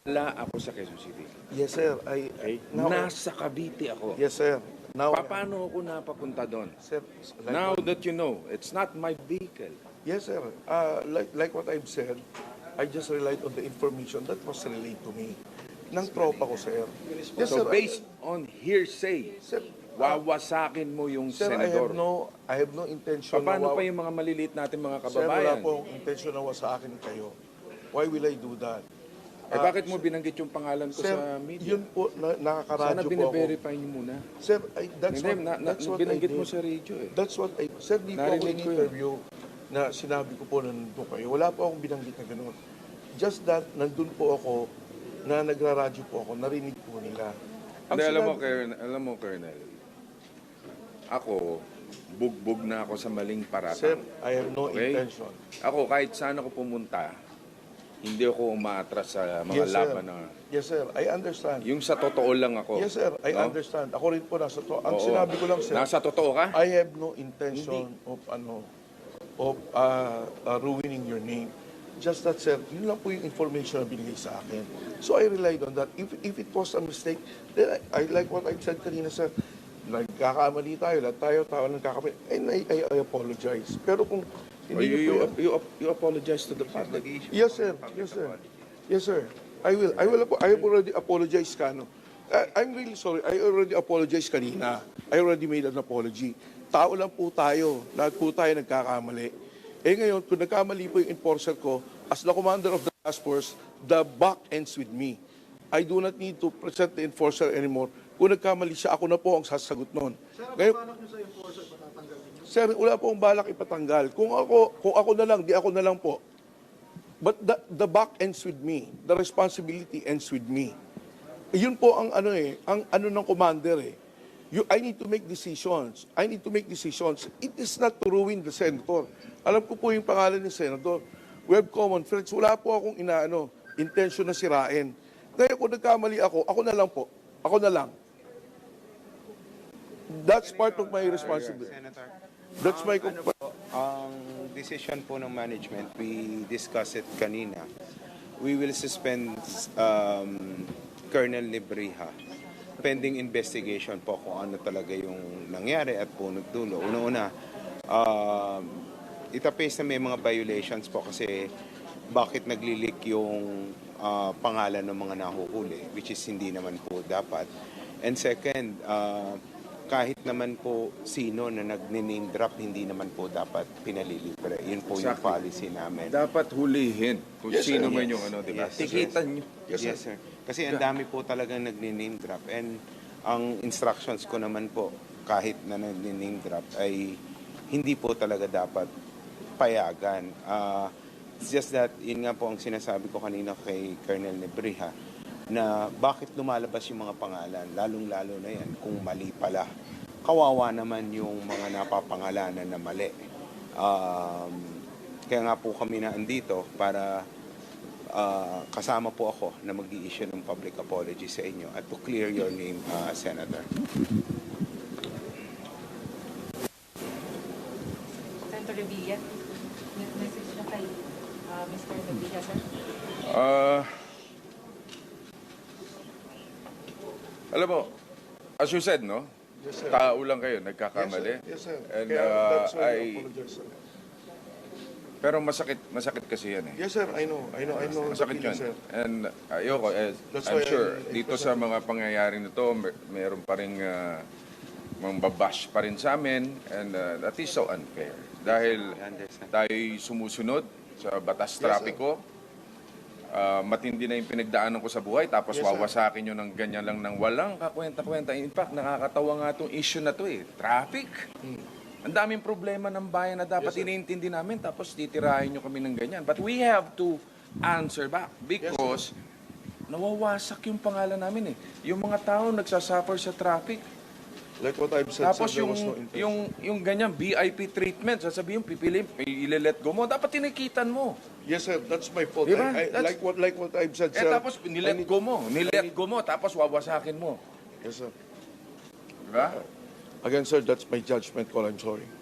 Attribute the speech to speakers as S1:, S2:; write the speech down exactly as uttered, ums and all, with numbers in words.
S1: Wala ako sa Quezon City.
S2: Yes, sir. I,
S1: Okay?
S2: now,
S1: Nasa Cavite ako.
S2: yes, sir. Now,
S1: Pa- Paano ako napapunta doon?
S2: sir, like
S1: Now
S2: what,
S1: that you know, it's not my vehicle.
S2: yes, sir. Uh, like, like what I've said, I just relied on the information that was relayed to me. Nang tropa ko, sir. Yes,
S1: So
S2: sir.
S1: based on hearsay,
S2: Sir,
S1: wawasakin mo yung
S2: sir, I have
S1: senador.
S2: no, I have no intention
S1: Pa- Paano
S2: na
S1: pa yung mga maliliit natin mga
S2: Sir, wala
S1: kababayan?
S2: pong intention na sa akin kayo. Why will I do that?
S1: Eh bakit mo binanggit yung pangalan ko
S2: Sir,
S1: sa media?
S2: yun po, na,
S1: Sana
S2: nakakaradyo po ako.
S1: bine-verify niyo muna.
S2: Sir, I, that's
S1: Hindi,
S2: what,
S1: na, na,
S2: that's what I
S1: binanggit
S2: did.
S1: mo sa radio eh.
S2: That's what I, sir, di po ako
S1: Narinig ko yun.
S2: in-interview na sinabi ko po na nandun kayo. Wala po akong binanggit na gano'n. Just that, nandun po ako, na nagraradyo po ako, narinig po nila.
S1: Hindi, alam mo,
S2: sinabi-
S1: Colonel, alam mo, Colonel, ako, bugbog na ako sa maling
S2: Sir,
S1: paratang.
S2: I have no
S1: Okay?
S2: intention.
S1: Ako, kahit saan ako pumunta, hindi ako umaatras sa mga
S2: Yes, sir.
S1: laban na...
S2: Yes, sir. I understand.
S1: Yung sa totoo lang ako.
S2: Yes, sir. I
S1: No?
S2: understand. Ako rin po nasa to. Ang
S1: Oo.
S2: sinabi ko lang, sir,
S1: Nasa totoo ka?
S2: I have no intention of ano of uh, uh, ruining your name. Just that, sir, yun lang po yung information na binigay sa akin. So I relied on that. If if it was a mistake, then I, I like what I said kanina, sir. Nagkakamali tayo, lahat tayo, tao nagkakamali. And I, I, I apologize. Pero kung
S1: Or you,
S2: hindi
S1: you,
S2: niyo po,
S1: you, you apologize to the public.
S2: yes, sir. Yes, sir. Yes, sir. I will. I will. apo- I have already apologized, Kano. I, I'm really sorry. I already apologized kanina. I already made an apology. Tao lang po tayo. Lahat po tayo nagkakamali. Eh ngayon, kung nagkamali po yung enforcer ko, as the commander of the task force, the buck ends with me. I do not need to present the enforcer anymore. Kung nagkamali siya, ako na po ang sasagot noon. Ngayon, sir, wala po akong balak ipatanggal. Kung ako, kung ako na lang, di ako na lang po. But the, the buck ends with me. The responsibility ends with me. Eh, Yun po ang ano eh, ang ano ng commander eh. You, I need to make decisions. I need to make decisions. It is not to ruin the senator. Alam ko po yung pangalan ni senator. We have common friends. Wala po akong inaano, intention na sirain. Kaya kung nagkamali ako, ako na lang po. Ako na lang. That's part of my responsibility.
S3: Senator,
S2: That's my
S3: ang, ano po, ang decision po ng management, we discussed it kanina. We will suspend um, Colonel Libriha pending investigation po kung ano talaga yung nangyari at punot dulo. Una-una, um, itapes na may mga violations po kasi bakit naglilik yung uh, pangalan ng mga nahuhuli, which is hindi naman po dapat. And second, uh, kahit naman po sino na nag-name drop, hindi naman po dapat pinalilibre. Yun po yung
S1: Exactly.
S3: policy namin.
S1: Dapat hulihin kung
S2: Yes, sir.
S1: sino man
S3: Yes.
S1: yung ano, di ba?
S3: Yes,
S1: Tikitan nyo.
S2: Yes,
S3: Yes, sir. Kasi ang dami po talagang nag-name drop. And ang instructions ko naman po, kahit na nag-name drop, ay hindi po talaga dapat payagan. Uh, it's just that, yun nga po ang sinasabi ko kanina kay Colonel Nebriha, na bakit lumalabas yung mga pangalan, lalong-lalo na yan, kung mali pala. Kawawa naman yung mga napapangalanan na mali. Um, kaya nga po kami na andito para uh, kasama po ako na mag-i-issue ng public apology sa inyo at to clear your name, uh, Senator.
S4: Senator Revilla, may message na kay uh, Mister Revilla, sir.
S1: Ah, alam mo, as you said, no?
S2: Yes, sir.
S1: Tao lang kayo, nagkakamali.
S2: Yes, sir. Yes, sir.
S1: And
S2: Kaya
S1: uh,
S2: that's why I
S1: I,
S2: apologize, sir.
S1: pero masakit, masakit kasi yan eh.
S2: Yes, sir. I know. I know. I know. the
S1: Masakit
S2: feeling,
S1: yun.
S2: sir.
S1: And ayoko, eh,
S2: That's
S1: I'm
S2: why I-
S1: sure,
S2: I-
S1: dito sa mga pangyayari na to, mer- meron pa rin uh, mambabash pa rin sa amin, and uh, that is so unfair. Dahil
S3: I understand.
S1: tayo'y sumusunod sa batas
S2: Yes, sir.
S1: trapiko, uh, matindi na yung pinagdaanan ko sa buhay, tapos
S2: Yes, sir.
S1: wawasakin nyo ng ganyan lang ng walang kakwenta-kwenta. In fact, nakakatawa nga itong issue na to eh, traffic. Ang daming problema ng bayan na dapat
S2: Yes, sir.
S1: iniintindi namin, tapos titirahin nyo kami ng ganyan. But we have to answer back because nawawasak yung pangalan namin eh. Yung mga tao nagsasuffer sa traffic.
S2: Like what I've said,
S1: Tapos
S2: sir, there
S1: yung,
S2: was no intention.
S1: yung, yung ganyan, V I P treatment, sasabihin, pipili, ile-let go mo, dapat tinikitan mo.
S2: Yes, sir. That's my fault.
S1: Diba?
S2: I, I,
S1: That's-
S2: like what like what I've said,
S1: Eh
S2: sir.
S1: tapos
S2: I
S1: nilet
S2: need-
S1: go mo, nilet go mo, tapos wawasakin mo.
S2: Yes, sir.
S1: Diba?
S2: Again, sir, that's my judgment call. I'm sorry.